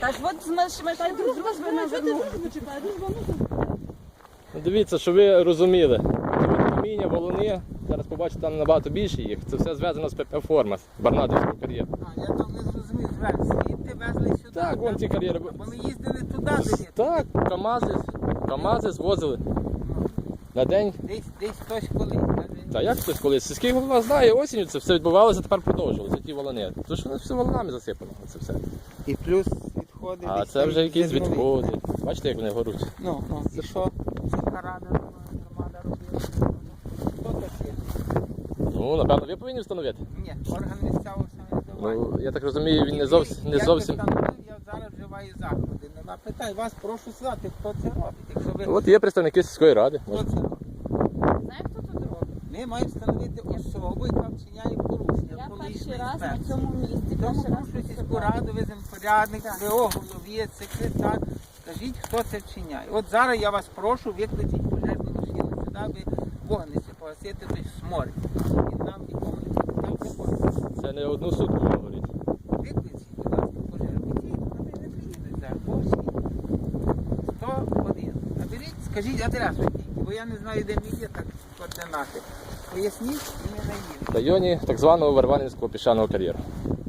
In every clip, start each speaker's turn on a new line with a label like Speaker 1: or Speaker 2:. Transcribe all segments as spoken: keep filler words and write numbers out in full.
Speaker 1: Та ж от з машини дружби на верну.
Speaker 2: Ну, дивіться, що ви розуміли. Каміння, волони, зараз побачите, там набагато більше їх. Це все зв'язано з ПП «Форма», з Барнатівського кар'єру.
Speaker 3: А, я там не зрозумів, звер, звідти везли сюди.
Speaker 2: Так, вон ці кар'єри.
Speaker 3: Бо ми їздили туди, де
Speaker 2: Так, КАМАЗи, КАМАЗи звозили на день.
Speaker 3: десь, десь хтось колись. каже,
Speaker 2: Та як хтось колись? Сільський голова знає, осінню це все відбувалося, тепер продовжувалося, ті волони. Тому що воно все волонами засипано, це все.
Speaker 3: І плюс відходи.
Speaker 2: А
Speaker 3: десь
Speaker 2: це
Speaker 3: там
Speaker 2: вже якісь
Speaker 3: зернові.
Speaker 2: відходи. Бачите, як вони горуть?
Speaker 3: Ну, ну, і що? Сільська рада, громада робила. Хто таке?
Speaker 2: Ну, напевно, ви повинні встановити.
Speaker 3: Ні, орган місцевого самоврядування.
Speaker 2: Ну, я так розумію, він не зовсім... Не
Speaker 3: Як
Speaker 2: зовсім...
Speaker 3: ви встановив, я зараз вживаю заходи. Нема питань. Вас прошу сказати, хто це робить. Якщо ви...
Speaker 2: От є представники сільської ради.
Speaker 3: Хто
Speaker 2: Може.
Speaker 3: це робить?
Speaker 1: Знаєш, хто тут робить?
Speaker 3: Ми маємо встановити особу, яка вчиняє порушення.
Speaker 1: Я
Speaker 3: екологічної
Speaker 1: перший раз на
Speaker 3: інспекції.
Speaker 1: цьому місці.
Speaker 3: Тому
Speaker 1: Перший раз
Speaker 3: прошу
Speaker 1: тут
Speaker 3: сільську
Speaker 1: буваю.
Speaker 3: раду, ви земпорядник, ВО, голові, секретар. Скажіть, хто це вчиняє. От зараз я вас прошу, викличіть пожежну машину сюди, аби вогнище погасити той сморід. Він нам нікому не потрібен. Там це
Speaker 2: Це не одну сутку воно горить.
Speaker 3: викличіть, будь ласка, пожежну. Ідіть, вони не приїдуть зараз, по всій. сто один. Наберіть, скажіть адресу тільки, бо я не знаю, де мій є, так координати. Поясніть і не наїдете.
Speaker 2: В районі так званого Варванівського піщаного кар'єру.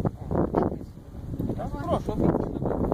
Speaker 3: Так, прошу, обійдіть.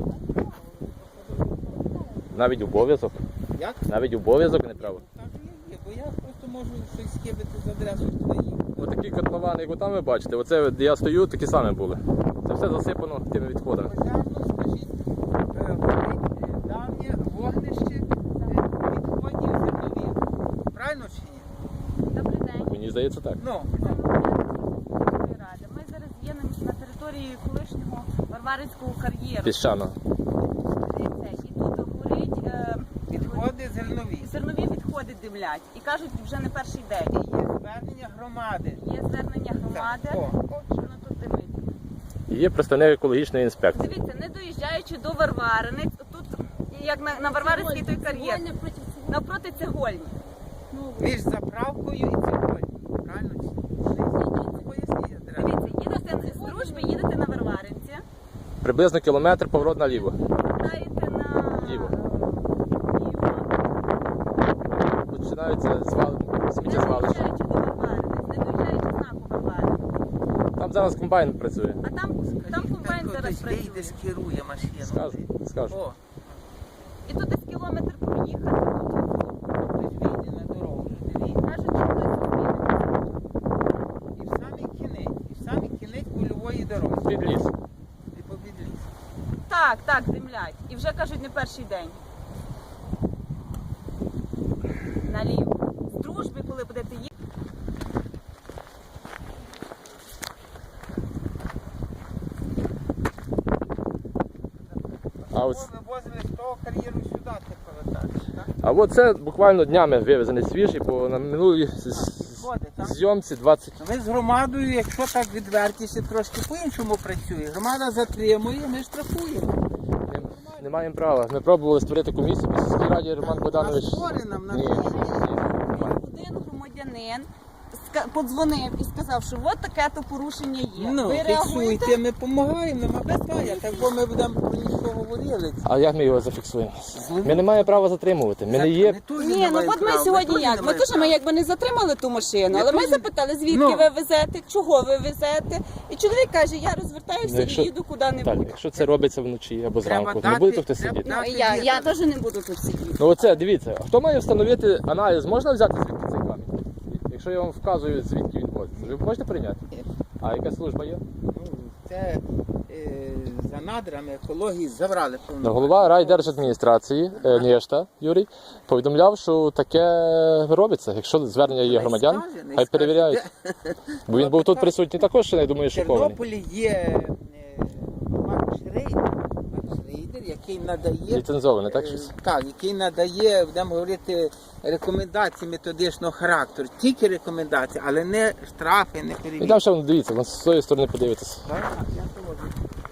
Speaker 2: Навіть обов'язок.
Speaker 3: Як?
Speaker 2: Навіть обов'язок не право.
Speaker 3: Так і є, бо я просто можу щось скибити з адресою туди їхати.
Speaker 2: Отакі котловани, як там ви бачите, оце де я стою, такі самі були. Це все засипано тими відходами.
Speaker 3: Пожежно, скажіть, е, горить е, давнє вогнище е, відходів зернових. Правильно чи ні?
Speaker 1: Добрий день.
Speaker 2: Мені здається так.
Speaker 3: Ну,
Speaker 1: Це
Speaker 3: ну.
Speaker 1: Миколаївської ради. Ми зараз є на- на території колишнього Варварівського кар'єру.
Speaker 2: Піщаного.
Speaker 1: Дивіться, і тут горить е,
Speaker 3: Відходи зернові.
Speaker 1: зернові відходи димлять. І кажуть, вже не перший день.
Speaker 3: Є звернення громади.
Speaker 1: Є звернення громади,
Speaker 3: О,
Speaker 1: що воно тут димить.
Speaker 2: І є представник екологічної інспекції.
Speaker 1: Дивіться, не доїжджаючи до Варваринець, тут як на, на Варваринський той кар'єр, навпроти цегольні.
Speaker 3: між заправкою і цегольні. Правильно чи ні? Поясніть адресу.
Speaker 1: Дивіться, їдете з дружби, їдете на Варваринці,
Speaker 2: Приблизно кілометр поворот наліво.
Speaker 1: повертаєте на
Speaker 2: Ліво.
Speaker 1: ліво.
Speaker 2: Починаються звал...
Speaker 1: Не
Speaker 2: сміттєзвалища.
Speaker 1: доїжджаючи до Варваринець, не доїжджаючи знаку Варваринець.
Speaker 2: Там зараз комбайн працює.
Speaker 1: А там, там комбайн зараз
Speaker 3: Хтось вийде,
Speaker 1: працює.
Speaker 3: скерує машину.
Speaker 2: Скажу, скажу.
Speaker 3: О,
Speaker 1: І тут десь кілометр проїхати.
Speaker 3: хтось вийде на дорогу. Дивіться.
Speaker 1: Кажуть, що хтось зустріне.
Speaker 3: І в самий кінець, і в самий кінець польової дороги.
Speaker 2: Під ліс.
Speaker 3: І побід ліс.
Speaker 1: Так, так, димлять. І вже кажуть, не перший день. Наліво. З дружби, коли будете їхати.
Speaker 2: А ось,
Speaker 3: Вивозили з того кар'єру сюди, ти повертаєш, так?
Speaker 2: а от це буквально днями вивезений свіжий, бо на минулій з- з-
Speaker 3: Відходи, так?
Speaker 2: зйомці двадцять.
Speaker 3: Ми з громадою, якщо так відвертіше, трошки по-іншому працює. Громада затримує, ми штрафуємо.
Speaker 2: Не, не маємо права. Ми пробували створити комісію по сільській раді, Роман Богданович.
Speaker 3: А створи нам на
Speaker 2: Ні, ні, немає.
Speaker 1: Один громадянин ска- подзвонив і сказав, що от таке то порушення є.
Speaker 3: Ну,
Speaker 1: Ви реагуєте?
Speaker 3: фіксуйте, ми допомагаємо, нема питання. Так бо ми будемо про нічого говорили.
Speaker 2: А як ми його зафіксуємо? Ми не маємо права затримувати. Ми не є.
Speaker 1: Ні, ну от ми сьогодні як? Ми теж ми якби не затримали ту машину,
Speaker 3: Ми
Speaker 1: але ми
Speaker 3: теж-
Speaker 1: запитали, звідки
Speaker 3: Ну.
Speaker 1: ви везете, чого ви везете. І чоловік каже, я розвертаюся
Speaker 2: Ну, якщо-
Speaker 1: і їду
Speaker 2: Так,
Speaker 1: куди-небудь.
Speaker 2: якщо це робиться вночі або
Speaker 3: Треба
Speaker 2: зранку,
Speaker 3: дати-
Speaker 2: не буде хтось
Speaker 3: треба
Speaker 2: сидіти.
Speaker 1: Ну, і я, я теж не буду тут сидіти.
Speaker 2: Ну оце, дивіться, хто має встановити аналіз, можна взяти звідки цей камінь? Якщо я вам вказую, звідки він возиться, ви можете прийняти? А яка служба є?
Speaker 3: Ну, це е, за надрами екології забрали
Speaker 2: Ну,
Speaker 3: повно.
Speaker 2: голова райдержадміністрації е, Нєшта Юрій повідомляв, що таке робиться. Якщо звернення є громадян,
Speaker 3: скаже, не
Speaker 2: хай
Speaker 3: скаже.
Speaker 2: перевіряють. Бо він був тут присутній також, я думаю,
Speaker 3: В
Speaker 2: шокований.
Speaker 3: Тернополі є е, Макс Шрейдер, Макс Шрейдер, який надає
Speaker 2: Ліцензоване, так
Speaker 3: е,
Speaker 2: щось?
Speaker 3: так, який надає, будемо говорити, рекомендації методичного характеру, тільки рекомендації, але не штрафи, не
Speaker 2: І
Speaker 3: перевірки.
Speaker 2: там ще воно, дивіться, вон з цієї сторони подивитися.
Speaker 3: Так, я проводжу.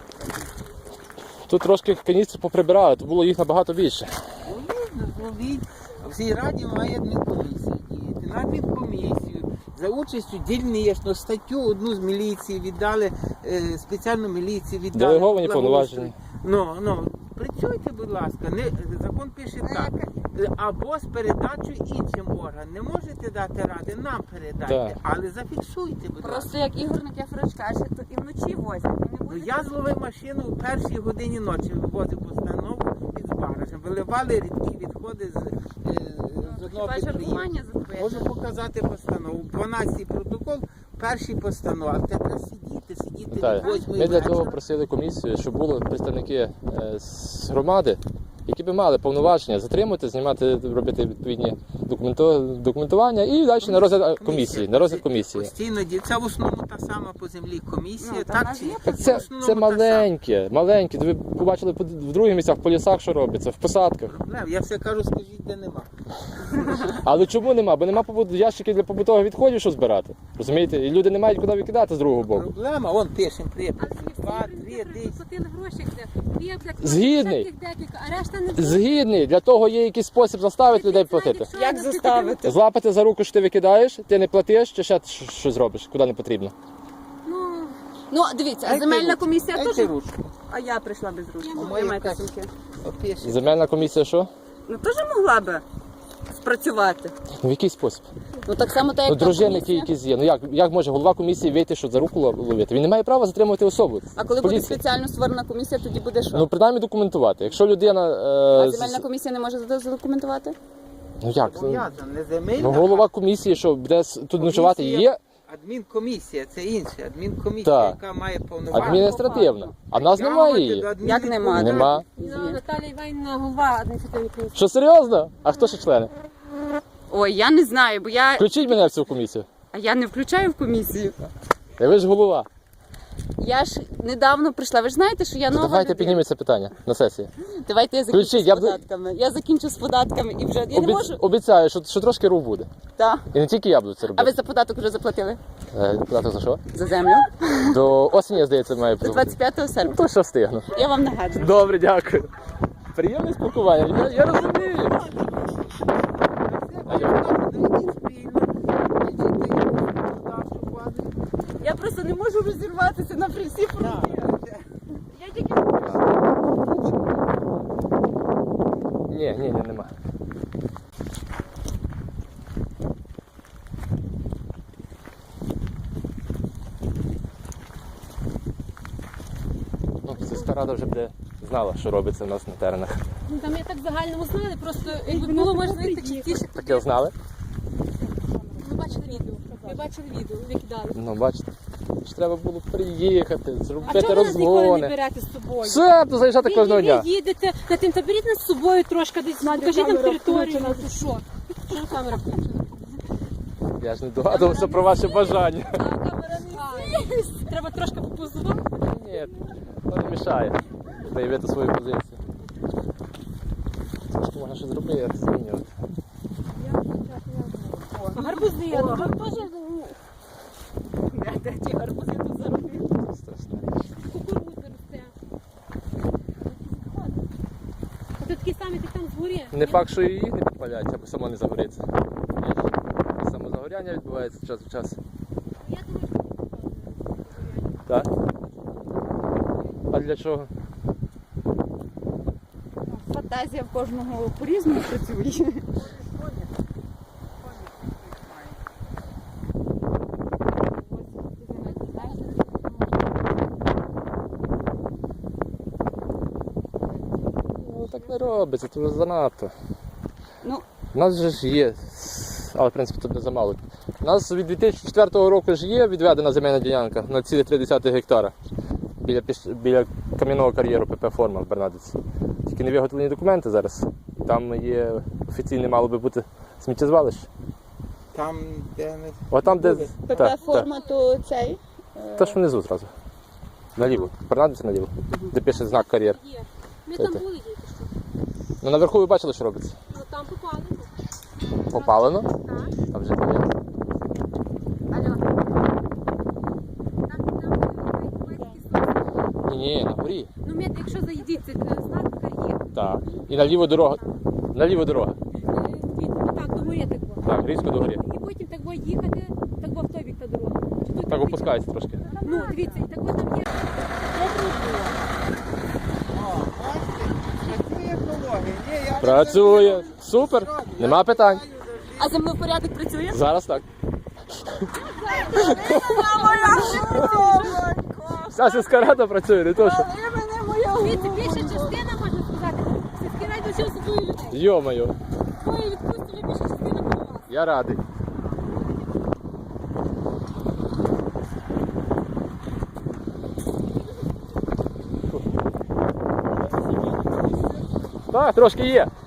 Speaker 2: Тут трошки каністр поприбирали, то було їх набагато більше.
Speaker 3: Зловіть, зловіть. В цій раді має адмінкомісія діяти. На адмінкомісію за участю дільничну статтю одну з міліції віддали, е, спеціальну міліцію віддали.
Speaker 2: Делеговані
Speaker 3: благоустрою.
Speaker 2: повноваження.
Speaker 3: Ну, ну, Працюйте, будь ласка. Не, закон пише так. Або з передачею іншим органам. Не можете дати ради, нам передайте,
Speaker 2: Так.
Speaker 3: але зафіксуйте, будь ласка.
Speaker 1: Просто як Ігор Никифорович каже, то і вночі возять. Ви не
Speaker 3: Ну,
Speaker 1: будете-
Speaker 3: я зловив машину в першій годині ночі, вивозив постанову під збаражем. Виливали рідкі відходи з, е, з одного
Speaker 1: Хіба
Speaker 3: підприємства.
Speaker 1: жартування зробити?
Speaker 3: Можу показати постанову. дванадцятий протокол, перший постанова. А треба сидіти, сидіти
Speaker 2: Так.
Speaker 3: до восьмої
Speaker 2: Ми для того
Speaker 3: вечора.
Speaker 2: просили комісію, щоб були представники е, з громади, які б мали повноваження затримати, знімати, робити відповідні документо- документування і далі на розгляд комісії. На розгляд комісії.
Speaker 3: Постійно діє. Це в основному та сама по землі комісія.
Speaker 1: Ну, та в
Speaker 3: так
Speaker 1: нас
Speaker 3: чи
Speaker 1: є
Speaker 3: ні?
Speaker 2: Так
Speaker 3: В
Speaker 2: це,
Speaker 3: основному
Speaker 2: це
Speaker 3: та сама.
Speaker 2: маленьке, маленьке. Ви побачили по- в других місцях, в полісах, що робиться, в посадках.
Speaker 3: Проблем. Я все кажу, скажіть, де нема.
Speaker 2: Але чому нема? Бо нема побут- ящиків для побутових відходів, що збирати. Розумієте? І люди не мають куди викидати з другого боку.
Speaker 3: Проблема, вон пишемо припис. Два, три, десять.
Speaker 4: Платили гроші, де
Speaker 2: Згідний.
Speaker 4: декілька, а решта не
Speaker 2: Згідний, для того є якийсь спосіб заставити людей платити.
Speaker 1: Як заставити?
Speaker 2: Злапати за руку, що ти викидаєш, ти не платиш, чи ще щ- щось зробиш, куди не потрібно.
Speaker 4: Ну,
Speaker 1: Ну, дивіться, а
Speaker 3: Дайте
Speaker 1: земельна
Speaker 3: ручку,
Speaker 1: комісія
Speaker 3: дайте
Speaker 1: теж.
Speaker 3: ручку.
Speaker 1: А я прийшла без ручки.
Speaker 3: А
Speaker 1: Ви
Speaker 3: моя
Speaker 1: маєте
Speaker 3: теж.
Speaker 1: сумки.
Speaker 3: Опишемо.
Speaker 2: Земельна комісія що?
Speaker 1: Ну теж могла би спрацювати.
Speaker 2: Ну, в який спосіб?
Speaker 1: Ну так само так,
Speaker 2: Ну,
Speaker 1: як та
Speaker 2: дружинники
Speaker 1: комісія.
Speaker 2: якісь є. Ну як, як може голова комісії вийти, що за руку лов- ловити? Він не має права затримувати особу.
Speaker 1: А коли буде
Speaker 2: Поліція.
Speaker 1: спеціально створена комісія, тоді буде що?
Speaker 2: Ну, принаймні документувати. Якщо людина.
Speaker 1: А
Speaker 2: Е, з-
Speaker 1: земельна комісія не може зада- задокументувати?
Speaker 2: Ну як? Ну,
Speaker 3: Зобов'язано, не земельна,
Speaker 2: ну, голова комісії, що буде с- тут ночувати, є
Speaker 3: а адмінкомісія, це інше. Адмінкомісія,
Speaker 2: Так.
Speaker 3: яка має повноваження.
Speaker 2: адміністративна. А в нас немає її.
Speaker 1: Як нема?
Speaker 2: Нема.
Speaker 4: ну, Наталія Іванівна, голова адміністративної комісії.
Speaker 2: Що серйозно? А хто ще члени?
Speaker 1: Ой, я не знаю, бо я.
Speaker 2: Включіть мене в цю комісію.
Speaker 1: А я не включаю в комісію.
Speaker 2: Та ви ж голова.
Speaker 1: Я ж недавно прийшла. Ви ж знаєте, що я нова
Speaker 2: Давайте
Speaker 1: людина.
Speaker 2: підніміть це питання на сесії.
Speaker 1: Давайте я закінчу
Speaker 2: Включіть,
Speaker 1: з
Speaker 2: я б-
Speaker 1: податками. Я закінчу з податками і вже я не
Speaker 2: Обіц-
Speaker 1: можу.
Speaker 2: Обіцяю, що, що трошки рух буде.
Speaker 1: Так.
Speaker 2: І не тільки я буду це
Speaker 1: А ви
Speaker 2: робити.
Speaker 1: за податок вже заплатили?
Speaker 2: Е, Податок за що?
Speaker 1: За землю?
Speaker 2: До осені, здається, має
Speaker 1: До
Speaker 2: бути.
Speaker 1: двадцять п'ятого серпня.
Speaker 2: То що встигну.
Speaker 1: Я вам нагадую.
Speaker 2: Добре, дякую. Приємне спілкування. Я, я розумію.
Speaker 1: Я просто не можу розірватися на всі фронти. Я тільки
Speaker 2: Ні, ні, ні, нема. Ну, сільська рада вже буде знала, що робиться в нас на теренах.
Speaker 4: Ну, там я так в загальному знали, просто якби було можливо частіше.
Speaker 2: Таке знали?
Speaker 4: Ми бачили відео. Ми бачили відео, викидали.
Speaker 2: Ну, бачите. Ж треба було приїхати,
Speaker 4: А
Speaker 2: зробити
Speaker 4: чого ви нас ніколи не
Speaker 2: розгони.
Speaker 4: берете з собою?
Speaker 2: Все, то заїжджати
Speaker 4: Ви,
Speaker 2: кожного
Speaker 4: ви
Speaker 2: дня.
Speaker 4: їдете на тим, та беріть нас з собою трошки десь, покажіть нам територію, ну то що? Що камера включена?
Speaker 2: Я ж не догадувався про ваше бажання.
Speaker 4: А, камера не світить. Треба трошки попозувати.
Speaker 2: Ні, то не мішає заявити свою позицію. Трошки можна щось зробити, змінювати.
Speaker 4: Гарбузи, ну, гарбузи,
Speaker 1: де, де ті гарбузи тут заробили.
Speaker 2: Страшна річ.
Speaker 4: кукурудза росте. А то такі самі, ти там згорі.
Speaker 2: Не факт, що і їх не підпаляють, або само не загориться. Є ж самозагоряння відбувається час в час.
Speaker 4: Я думаю, що
Speaker 2: Так? А для чого?
Speaker 1: Фантазія в кожного по-різному працює.
Speaker 2: Ну так не робиться, це вже занадто.
Speaker 1: Ну,
Speaker 2: У нас же ж є, але в принципі тут не замало. У нас від дві тисячі четвертого року ж є відведена земельна ділянка на цілі три десятих гектара біля, піш- біля кам'яного кар'єру ПП «Форма» в Бернадиці. Тільки не виготовлені документи зараз. Там є офіційне мало би бути сміттєзвалище.
Speaker 3: Там, де не...
Speaker 2: О там, де.
Speaker 3: Буде.
Speaker 2: Так, так.
Speaker 1: ПП-форма, то цей.
Speaker 2: Та ж внизу зразу. Наліво. Бернадиці наліво. Де пише знак кар'єр.
Speaker 4: є. Ми
Speaker 2: Це
Speaker 4: там
Speaker 2: те.
Speaker 4: були тільки що.
Speaker 2: Ну наверху ви бачили, що робиться.
Speaker 4: Ну там попали.
Speaker 2: Попалено,
Speaker 4: Так.
Speaker 2: а вже є.
Speaker 1: Алло.
Speaker 2: Ні, ні, на горі.
Speaker 4: Ну, мед, якщо заїдіть, це знак є.
Speaker 2: Так. І наліво дорога. Наліво дорога.
Speaker 4: Так, до горі так було.
Speaker 2: Так, різко до горі.
Speaker 4: І потім так було їхати, так було в той бік та дорога. Чи тут
Speaker 2: Так опускається трошки.
Speaker 4: Ну, дивіться, і так от там є.
Speaker 3: О, бачите?
Speaker 2: Працює. Супер. Нема питань.
Speaker 1: А землепорядок працює?
Speaker 2: Зараз так. Вся сільська рада працює, не то що.
Speaker 4: Дивіться, більша частина, можна сказати, сільський рай дочив собою людей.
Speaker 2: Йо-моє,
Speaker 4: Твої відпустили більша частина була вас.
Speaker 2: я радий. Так, трошки є.